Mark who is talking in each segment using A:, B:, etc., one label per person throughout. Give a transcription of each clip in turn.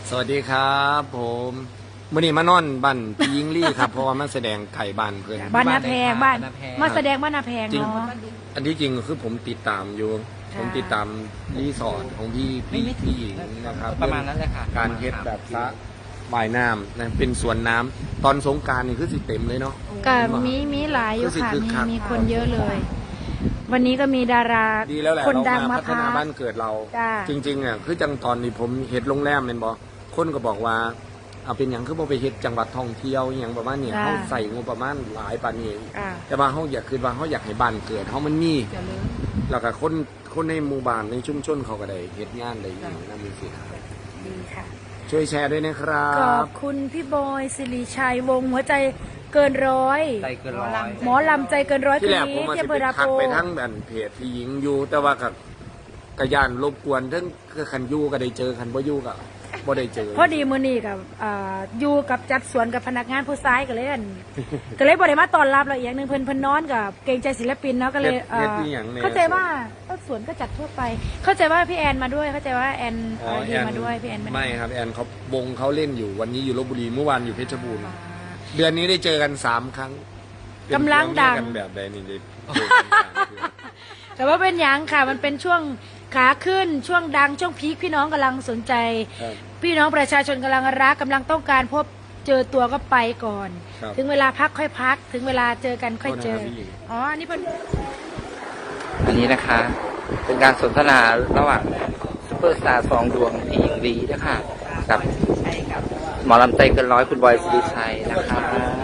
A: สวัสดีครับผมมื่อนี้มานอนบ้านพี่ยิงลี่ครับ เพราะว่ามันแสดงไก่บ้านเพื่อน
B: บ้านนาแพงบ้าน
C: บ้านนาแพง
B: มาแสดงบ้านนาแพง
A: จริง
B: เนาะ
A: อันที่จริงคือผมติดตามอยู่
B: ค่ะ
A: ผมติดตามรีสอร์ทของพี่หญิงนะครับ
C: ประมาณนั้นเลยค่ะ
A: การเฮ็ดแบบสระว่ายน้ำนะเป็นสวนน้ำตอนสงกรานต์นี่คือสิเต็มเลยเนาะ
B: ก็มีหลายอยู่ค่ะ
A: ก็คือคึกคัก
B: มีคนเยอะเลย วันนี้ก็มีดารา
A: ดีแล้วแหละ
B: คน
A: เรา
B: ดัง
A: มา
B: มา
A: พัฒ
B: พั
A: นาก บ้านเกิดเรา
B: จ้า
A: จริงๆอ่ะคือจังตอนนี้ผมเฮ็ดโรงแรมเป็นบ่คนก็บอกว่าเอาเป็นอย่างคือบ่ไปเฮ็ดจังหวัดท่องเที่ยวอหย่างประมาณนี้เฮาใส่งบประมาณหลายปานนี้
B: อ่า
A: แต่ว่าเขาอยากคือว่าเขาอยากให้บ้านเกิดเขามันมีแล้วก็คนในหมู่บ้านในชุมชนเขาก็ได้เฮ็ดงานได้อย่างนั้นมีสิครับ
B: ดีค่ะ
A: ช่วยแชร์ด้วยนะครั
B: ขอ
A: บบ
B: คุณพี่บอยสิริชัยวงศ์หัวใจเกินร้อย
C: ใจเกินร้อย
B: หมอลำใจเกินร้อย
A: ที่
B: คืน
A: แรกผม
B: นี้
A: มา
B: ที่
A: สิ
B: อำ
A: ไป
B: เภอดา
A: ทัก
B: โพ
A: ไปทั้งแบบเพจที่หญิงอยู่ แต่ว่ากับกระยานรบกวนทั้งคันอยู่ก็ได้เจอคันบ่อยู่ก็บ่ได้เจอ
B: พอดีมื้อนี้กับอยู่กับจัดสวนกับพนักงานผู้ซ้ายก็เลยก็เลยบ่ได้มาต้อนรับเราอีกอย่างหนึงเพิ่นนอนกับเกรงใจศิลปินเนาะก็เลย
A: เฮ็ดอีหยังนี่ย
B: เข้าใจว่าสวนก็จัดทั่วไป เข้าใจว่าพี่แอนมาด้วยเข้าใจว่าแอน
A: อ๋อ
B: ดีมาด้วยพี่แอน
A: ไม่ครับแอนเขาวงเขาเล่นอยู่วันนี้อยู่ลบบุรีเมื่อวานอยู่เพชรบูรณ์เดือนนี้ได้เจอกัน3 ครั้งเป็น
B: กำลังดัง
A: เพื่อนกันแบบใดนี่ได้เจอกัน3 เดือน
B: แต่ว่าเป็นหยังค่ะมันเป็นช่วงขาขึ้นช่วงดังช่วงพีคพี่น้องกำลังสนใจ
A: ครับ
B: พี่น้องประชาชนกำลังรักกำลังต้องการพบเจอตัวก็ไปก่อน
A: ครับ
B: ถึงเวลาพักค่อยพัก ถึงเวลาเจอกันค่อยเจอ
A: โทษนะครับพี่หญิง
B: อ๋ออันนี่เป็น
C: อันนี้นะคะ เป็นการสนทนาระหว่างซุปเปอร์สตาร์2 ดวงพี่หญิงลีนะคะกับหมอลำใจเกินร้อยคุณบอยสิริชัยนะคะ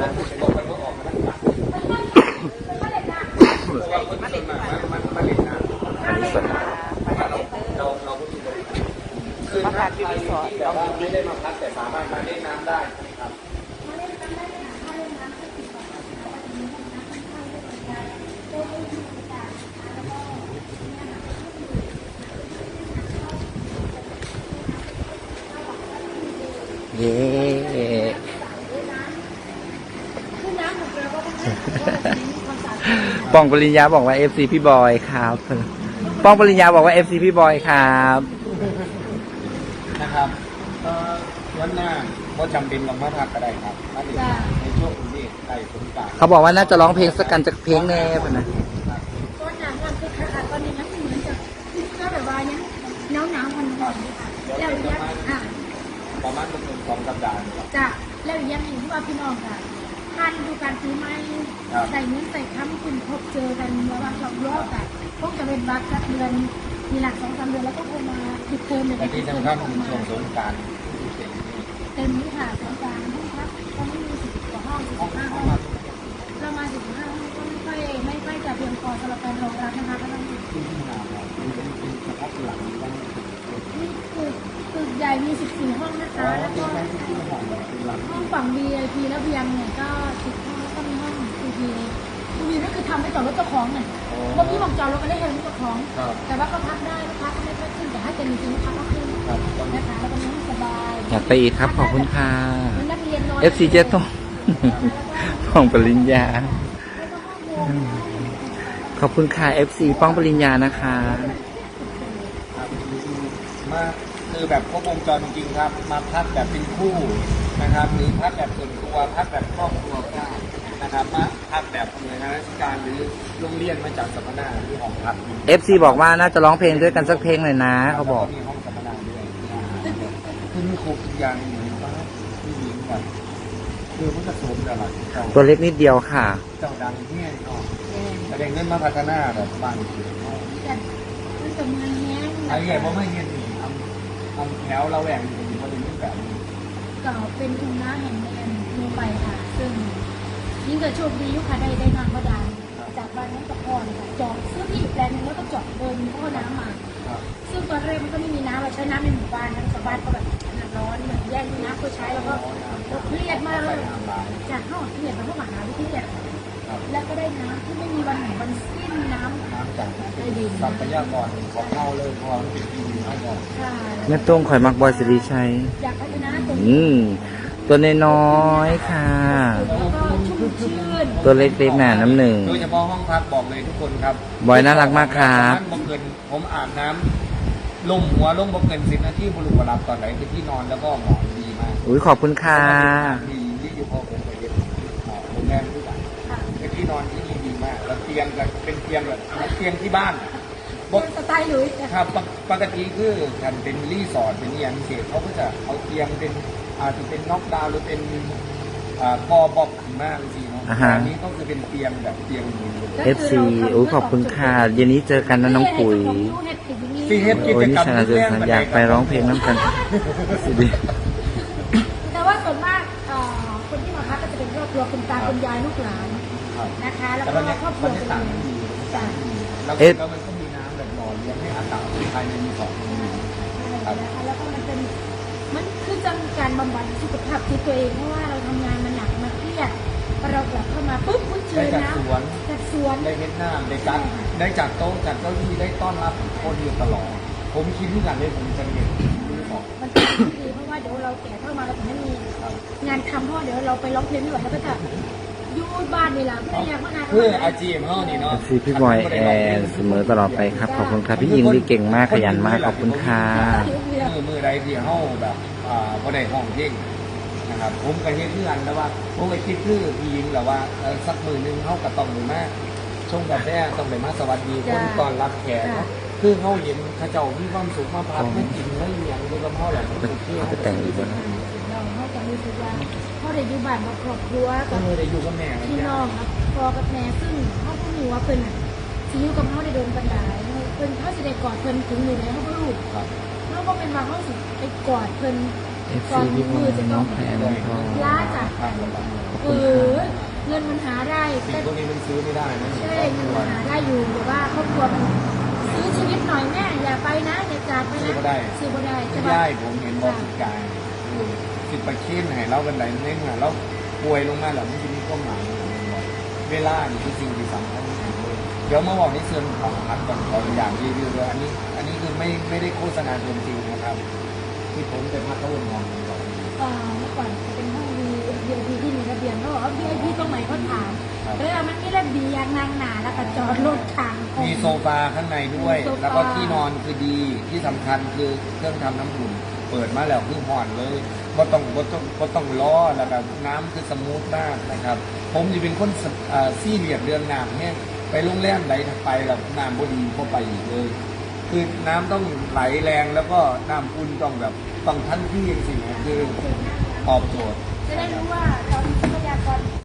C: อันนี้ส่วน
A: คือพักที่รีสอร์ทแต่ว่าไม่ได้มาพักแต่สามารถมาเล่นน้ำได้ครับ
C: เย้ป้องปริญญาบอกว่า FC พี่บอยครับป้องปริญญาบอกว่า FC พี่บอยครับ
A: นะครับวันหน้าก็จำเป็นต้องมาพักก็ได้ครับมาถึงในช่วงนี้ใกล้สงกรานต์
C: เขาบอกว่าน่าจะร้องเพลงสักกันจากเพลงแน่ป่ะนะ
B: ต้นหนาวมันคือขาดตอนนี้มันเหมือนจะก็แบบว่าเนี่ยหนาวมันก่อนแล้วยัง
A: ประมาณ1-2 สัปดาห์ครับ
B: จ้ะแล้วยังเห็นว่าพี่น้องค่ะทานดูการซื้อไม้
A: ครับ
B: ใส่เงินใส่คำคุณพบเจอกันเมื่อวันสองรอบแต่พวกจะเป็นบัตรสักเดือนมีหลัก2-3 เดือนแล้วก็คงมาติดเทอมเลย
A: และที่สำคัญคือช่วงสงกรานต์
B: เต็มนี้ค่ะสงกรานต์ห้องพักตอนนี้มี10 กว่าห้อง15 ห้องเรามา15 ห้องก็ไม่ค่อยจะเพียงพอสำหรับการรองรับนะคะก็ต้อง
A: ที่หนาเนี่ยมันเป็นเฉพาะหลังบ้าง
B: นี่ตึกใหญ่มี14 ห้องนะคะแล้วก็
A: ที่หอมเป็นหลัง
B: ห้องฝั่ง VIP แล้วเพียงเนี่ยก็10 ห้องแล้วก็มีห้อง PP PP ก็คือทำให้จอดรถเจ้าของเนี่ยเมื่อกี้บอกจอดรถก็ได้เห็นเจ้าของ
A: ครับ
B: แต่ว่าก็พักได้ก็พักก็ไม่ค่อยขึ้นแต่ถ้าจะมีจริงๆพักก็ขึ้น
A: ครับตอนนี้
B: นะคะแล้วก็มีห้องสบาย
C: อยากไปอีกครับขอบคุณค่ะ
B: มีนักเรียนนอน
C: FC เจต้อง ป้องปริญญา ขอบคุณค่ะ FC ป้องปริญญานะคะ
A: ครับมาคือแบบครบวงจรจริงๆครับ มาพักแบบเป็นคู่นะครับ หรือพักแบบส่วนตัวพักแบบครอบครัวก็ได้นะครับมาพักแบบหน่วยงานราชการหรือโรงเรียนมาจากสัมมนาหรือห้องพัก
C: FC บอกว่าน่าจะร้องเพลงด้วยกันสักเพลงหน่อยนะเขาบอก
A: มีห้องสัมมนาด้วยคือมีครบทุกอย่างเหมือนฟ้าที่หญิงแบบคือมันจะสมกับหลักเจ้า
C: ตัวเล็กนิดเดียวค่ะ
A: เจ้าดังที่เนาะแต่เด็กเงินมาพัฒนาแบบบ้านเขียวเนาะ
B: แต่มันจะเมืองแห้ง
A: ไอ้ใหญ่เพราะไม่เงี้ยนี่ทำแถวเราแหว่งอยู่ที่เขาเป็นแบบนี้
B: เก่าเป็นทุ่งนาแห่งหนึ่งลงไปค่ะ ซึ่งยิ่งเกิดโชคดียุคค่ะได้นางบาดาลจากบ้านนั้นตะพรค่ะจอดซื้อที่อีกแปลงนึงแล้วก็จอดเดินท่อน้ำมา
A: ครับ
B: ซึ่งตอนแรกมันก็ไม่มีน้ำเราใช้น้ำในหมู่บ้านทั้งชาวบ้านก็แบบร้อนเหมือนแย่งน้ำเพื่อใช้แล้วก็เครียดมากเลยจากห้องเครียดมาพวกมหาวิทยาลัยแล้วก็ได้น้ำที่ไม่มีวันไหนวันสิ้นน้ำ
A: น้ำจากทรัพยากรของเราเลยเพราะว่ามันเป็นที่ดินเขาบอก
B: ค่ะ
C: แม่ตุ้งข่อยมักบอยสิริชัย
B: อยากพัฒนาตรง
C: อื
B: นี้
C: มตัวน้อยๆค่ะ
B: แล้วก็ชุ่มชื่น
C: ตัวเล็กๆหนาน้ำหนึ่ง
A: โดยเฉพาะห้องพักบอกเลยทุกคนครับ
C: บอยน่ารักมากครับ
A: บังเกินผมอาบน้ำลมหัวลงบ่เกิน10 นาทีบุรุษรับตอนไหนคือที่นอนแล้วก็หมอนดีมาก
C: อุ้ยขอบคุณค่ะ
A: ดีที่อยู่พอผมไปเรียนโรงแรมด้วยกัน
B: ค่ะ
A: เป็นที่นอนที่ดีมากแล้วเตียงก็เป็นเตียงแบบเตียงที่บ้าน
B: สไตล์หลุยส์นะ
A: ค
B: คะ
A: รับปกติคือการเป็นรีสอร์ทเป็นอย่างพิเศษเขาก็จะเอาเตียงเป็นอาจจะเป็นน็อกดาวน์หรือเป็นกอบอกขึ้นมากจริงๆเนาะ
C: อ่าฮะ
A: อันนี้ก็คือเป็นเตียงแบบเตียงมือเลย
C: FC อุ้ยขอบคุณค่ะเย็นนี้เจอกันนะน้องปุ๋ย
A: ซีเฮ็ดกิ
C: โอ้ย
A: จ
C: นี่
A: กรรม
C: ชนะเจอสัญญาไปร้องเพลงน้ำกันสิดี
B: แต่ว่าส่วนมากคนที่มาพักก็จะเป็นครอบครัวคุณตาคุณยายลูกหลาน
A: ครับ
B: นะคะ แล้ว
A: แต่
B: ก็
A: บรรยา
B: ครอบครั
A: บ
B: ว
A: รรยากาศมันดี
B: จ้ะ
A: แล้ว
C: เอ๊ะ
A: มันก็มีน้ำแบบหล่อเลี้ยงให้อากาศภายในรีสอร์ทมันดี
B: นะคะแล้วก็มันเป็นมันคือจะมีการบำบัดสุขภาพที่ตัวเองเพราะว่าเราทำงานมาหนักมาเครียดพอเรากลับเข้ามาปุ๊บคุ้นเค
A: ได้
B: ย
A: จาก
B: นะ
A: สวน
B: จากสวน
A: ได้เฮ็ดน้ำได้จัดได้จากโต๊ะจากเก้าอี้ได้ต้อนรับคนอยู่ตลอด ผมคิดที่กันเลยผมจะเรียนรีสอร์ท
B: มันเป็นสิ่งที่ดีเพราะว่าเดี๋ยวเราแก่เข้ามาเราจะไม่มีงานทำเพราะเดี๋ยวเราไปร้องเพลงไม่ไหวแล้วก็จะอยู่บ้านนี่แหละไม่อยากมานาน
A: เพื่ออาจีมเขานี่เนาะ
C: FC พี่บอยแอนเสมอตลอดไปครับ ขอบคุณครับพี่หญิงดีเก่งมากขยันมากขอบคุณค่ะ
A: มือใดที่เขาแบบบ่ได้ห้องเพลงนะครับผมก็เฮ็ดเรื่องแต่ว่าผมก็คิดคือพี่หญิงแหละว่าสักมือนึงเขาก็ต้องเลยมาชงกาแฟต้องเลยมาสวัสดีคนตอนรับแขกเนาะคือเขาเห็นเขาเจ้ามีความสุขมาพักไม่กินไม่เลี้ยงด้วยกับพ่อแหละมันสุดที่
C: เอาไปแต่งอีกแล้วนะ
B: เราจะรู้สึกว่าพ่อได้อยู่บ้านกับครอบครัว
A: ก็
B: กับ
A: เลยได้อยู่กับแม่กัน
B: พี่
A: จ้ะ
B: น้องกับพ่อกับแม่ซึ่งเขาก็รู้ว่าเพิ่นอ่ะสิอยู่กับเขาได้โดนปัญหาเพิ่นเขาสิได้กอดเพิ่นถึงมือแล้วเขาก็รู้
A: ครับ
B: เขาก็เป็นว่าเขาสิไปกอดเพิ่น
C: FC พี่บอยน้องแพรน้องทอง
B: ล้าจาก
A: ครับ
B: เออเงินมันหาได้
A: สิ่ง
B: แต่
A: พวกนี้มันซื้อไม่ได้นะ
B: ใช่เงินมันหาได้อยู่แต่ว่าครอบครัวมันซื้อชีวิตหน่อยแม่อย่าไปนะอย่าจากไปนะ
A: ซื้อก็ได้
B: ซื้อบ่ได้
A: ที่
B: ใช่
A: ย่า
B: ปะ
A: ยผมเห็นบอกสิกายสิไปเค้นให้เรากันไหนเน้นอ่ะเราป่วยลงมาแล้วมันจะมีความหมายเวลานี่คือสิ่งที่สำคัญที่สุดเลยเดี๋ยวมาบอกในส่วนของพัดก่อนขออย่างรีวิวเลยอันนี้คือไม่ได้โฆษณาเกินจริงนะครับ ที่ผมเป็นพักเขาวนมองก่อน
B: เมื่อก่อนจะเป็นห้อง VIP ที่มีระเบียงเขาบอกว่า VIP ตรงไหนเขาถามมันไม่ระเบียงนางหนาแล้วก็จอดรถทาง
A: มีโซฟาข้างในด้วย แล้วก็ที่นอนคือดีที่สำคัญคือเครื่องทำน้ำอุ่นเปิดมาแล้วคือห่อนเลยก็ต้องล้อแล้วก็น้ำคือสมูทมากนะครับ ผมจะเป็นคนซี่เรียดเรื่องน้ำเนี่ยไปโรงแรมไหนไปแล้วน้ำบดีพอไปอีกเลย คือน้ำต้องไหลแรงแล้วก็น้ำอุ่นต้องแบบต้องทันที่สิ่งนี้คือตอบโจทย์
B: จะได้รู้ว่าตอนทรัพยากร